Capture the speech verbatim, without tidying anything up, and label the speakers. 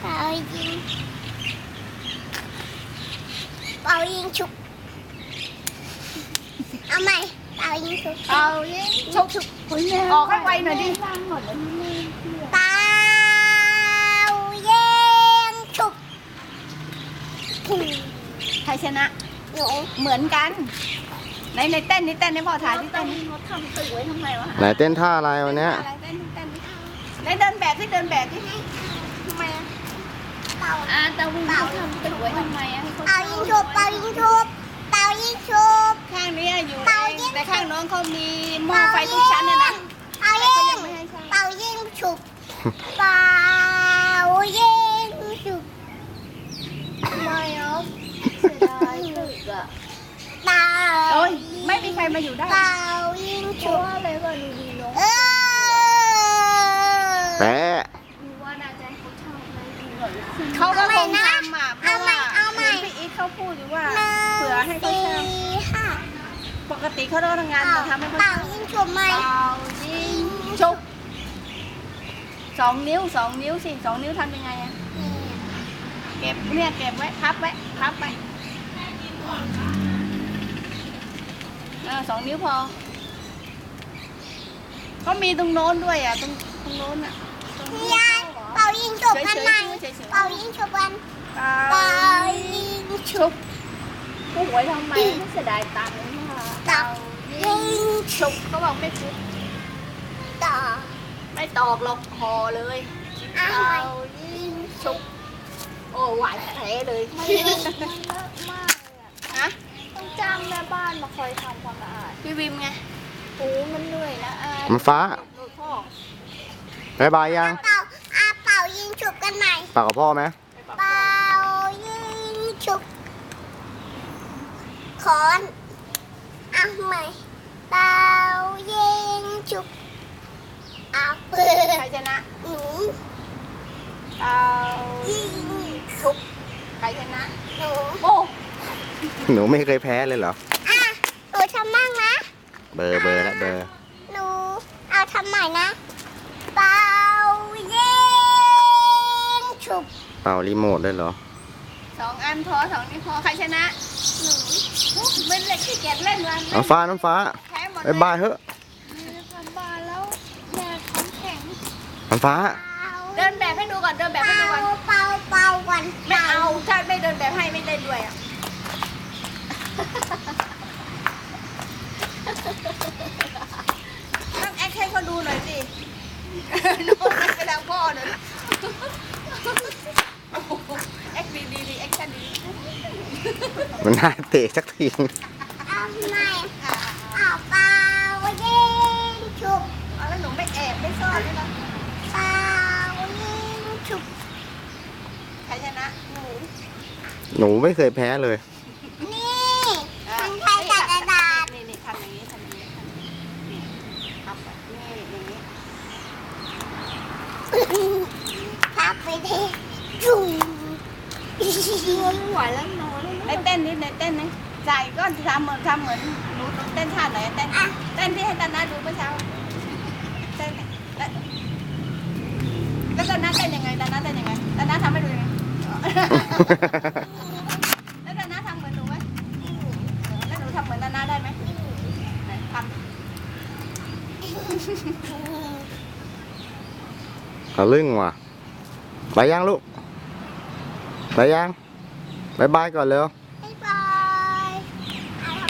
Speaker 1: เป่ายิงเป่ายิงฉุกเอาใหม่เป่ายิงฉุก
Speaker 2: เป่ายิงฉุกออกให้ไวหน่อยดิ
Speaker 1: เป่ายิงฉุก
Speaker 2: ใครชนะ
Speaker 1: หนู
Speaker 2: เหมือนกันในในเต้นนี่เต้นนี่พ่อถ่ายที่เต้นนี่เขาทำตึกไว้ทำไมวะ
Speaker 3: ไหนเต้นท่าอะไรวันเนี้ย
Speaker 2: อะไรเต้นเต้นในเดินแบบที่เดินแบบที่ทำไมอ่ะ
Speaker 1: เป่า
Speaker 2: อ่าตะวินเขาทำตึกไว้ทำไมอ่ะ
Speaker 1: เป่ายิงฉุกเป่ายิงฉุกเป่ายิงฉุก
Speaker 2: ข้างนี้อยู่
Speaker 1: เป่า
Speaker 2: เอ
Speaker 1: ยิ
Speaker 2: ง
Speaker 1: ง
Speaker 2: แต่ข้างน้องเขามีหม้อไฟทุกชั้นเนี่ยนะ
Speaker 1: เป่ายิงเป่ายิงฉุกเป่ายิงฉุก
Speaker 2: ไม่เอาเสียดายตึกอ่ะ
Speaker 1: เป่า
Speaker 2: โอ้ยไม่มีใครมาอยู่ได้
Speaker 1: เป่ายิง
Speaker 2: เพ
Speaker 1: ฉุ
Speaker 2: ราะ
Speaker 1: ก
Speaker 2: ว่าอะไรก็ดูดีน้อง
Speaker 1: เออ
Speaker 3: แปะ
Speaker 2: ดูว่าน่าจะเขาชอบไหมเขาก็คงทำอ่ะเพราะว่าพี่อีทเขาพูดอยู่ว่าเผื่อให้เขา
Speaker 1: สี่
Speaker 2: เช่า
Speaker 1: ห้า
Speaker 2: ปกติเขาต้องทำงานมาทำให้เขา
Speaker 1: เป่า
Speaker 2: เช่า
Speaker 1: ยิงฉุกไหม
Speaker 2: เป่ายิงชุบสองนิ้วสองนิ้วสิสองนิ้วทำยังไงอะเก็บเนี่ยเก็บไว้พับไว้พับไปเออสองนิ้วพอเขามีตรงโน้นด้วยอ่ะตรงตรงโน้นอ่ะตรง
Speaker 1: ยายเป่ายิงฉุกกันไหม
Speaker 2: เฉยๆเฉยๆ
Speaker 1: เป่ายิงฉุกกัน
Speaker 2: เป่า
Speaker 1: เป่ายิงฉุ
Speaker 2: ชุ
Speaker 1: ก
Speaker 2: บผู้หวยทำไมไม่เสียดายตังค์เลยค่ะ
Speaker 1: เป่ายิง
Speaker 2: ชุบเขาบอกไม่ชุบ
Speaker 1: ต่อ
Speaker 2: ไม่ตอกหรอกพอเลย
Speaker 1: เอา
Speaker 2: เป่า
Speaker 1: ใหม่
Speaker 2: ยิงชุบโอ้หวานแท้เลย
Speaker 4: มันเลอะมากเลยอ่ะ
Speaker 2: ฮะ
Speaker 4: ต้องจ้างแม่บ้านมาคอยทำความสะอาด
Speaker 2: พี่วิมไง
Speaker 4: โอ้มันเหนื่อยนะอา
Speaker 3: มันฟ้า
Speaker 2: หนูพ่อบ
Speaker 3: ายบายยัง
Speaker 1: เป่าอาเป่ายิงฉุกกันไหม
Speaker 3: ปากกับพ่อไหม
Speaker 1: เป่ายิงฉุกขอนเอาใหม่เป่ายิงฉุกเอาเปิ
Speaker 2: ใคร
Speaker 1: ด
Speaker 2: ชนะ
Speaker 1: หนู
Speaker 2: เป่า
Speaker 1: ยิง
Speaker 2: ชุบใครชนะ
Speaker 1: หนู
Speaker 2: โอ้
Speaker 3: หนูไม่เคยแพ้เลยเหรอ
Speaker 1: อ่ะหนูทำมั่งนะ
Speaker 3: เบอร์เบอร์ละเบอร์
Speaker 1: หนูเอาทำใหม่นะเป่ายิงฉุก
Speaker 3: เป่ารีโมทด้วยเหรอ
Speaker 2: สองอันพอสองนี้พอใครชนะหนูเป็นเล็กที่เกียจเล่นวัน
Speaker 3: น้ำฟ้าน้ำฟ้า
Speaker 2: แพ้หมด
Speaker 3: บายบายเถอะ
Speaker 4: ทำบานแล้วแม่ท้องแข็ง
Speaker 3: น้ำฟ้า
Speaker 2: เดินแบบให้ดูก่อนเดินแบบ
Speaker 1: เป่า
Speaker 2: ให้ดูก่อน
Speaker 1: เป่าเป่าก่อน
Speaker 2: ไม่เอาถ้าไม่เดินแบบให้ไม่เล่นด้วยอ่ะต้องแอคให้เขาดูหน่อยสิโน้ตไปทางพ่อหน่อยแอคดีดีดีแอคชั่นดี
Speaker 3: มันน่าเตะสักที
Speaker 1: เอาใหม่เอาเป่ายิงฉุก
Speaker 2: เอาแล้วหนูไม่แอบไม่ซ่อนด้วยนะ
Speaker 1: เป่ายิงฉุก
Speaker 2: ใครชนะหนู
Speaker 3: หนูไม่เคยแพ้เลย
Speaker 1: นี่มันใช้กระดาษ
Speaker 2: นี่นี่ทำอย่างนี้ทำอย่างนี้ทำอย่างนี้นี่ทำแบบนี้อย่างนี้
Speaker 1: พับไปทีจุ่ม
Speaker 4: ไม่ไหวแล้วนอนแล้ว
Speaker 2: ในเต้นนิดในเต้นนี่ใจก็ทำเหมือนทำเหมือนหนูเต้นท่าไหนเต้นเต้นที่ให้ตานาดูเมื่อเช้าเต้นแล้วแล้วตานาเต้นยังไงตานาเต้นยังไงตานาทำให้ดูยังไงแล้วตานาทำเหมือนหนูไหมแล้วหนูทำเหมือนตานาได้ไหมไหนทำ
Speaker 3: เอาลึ่งว่ะไปยังลูก ไปยังบายบายก่อนเร็ว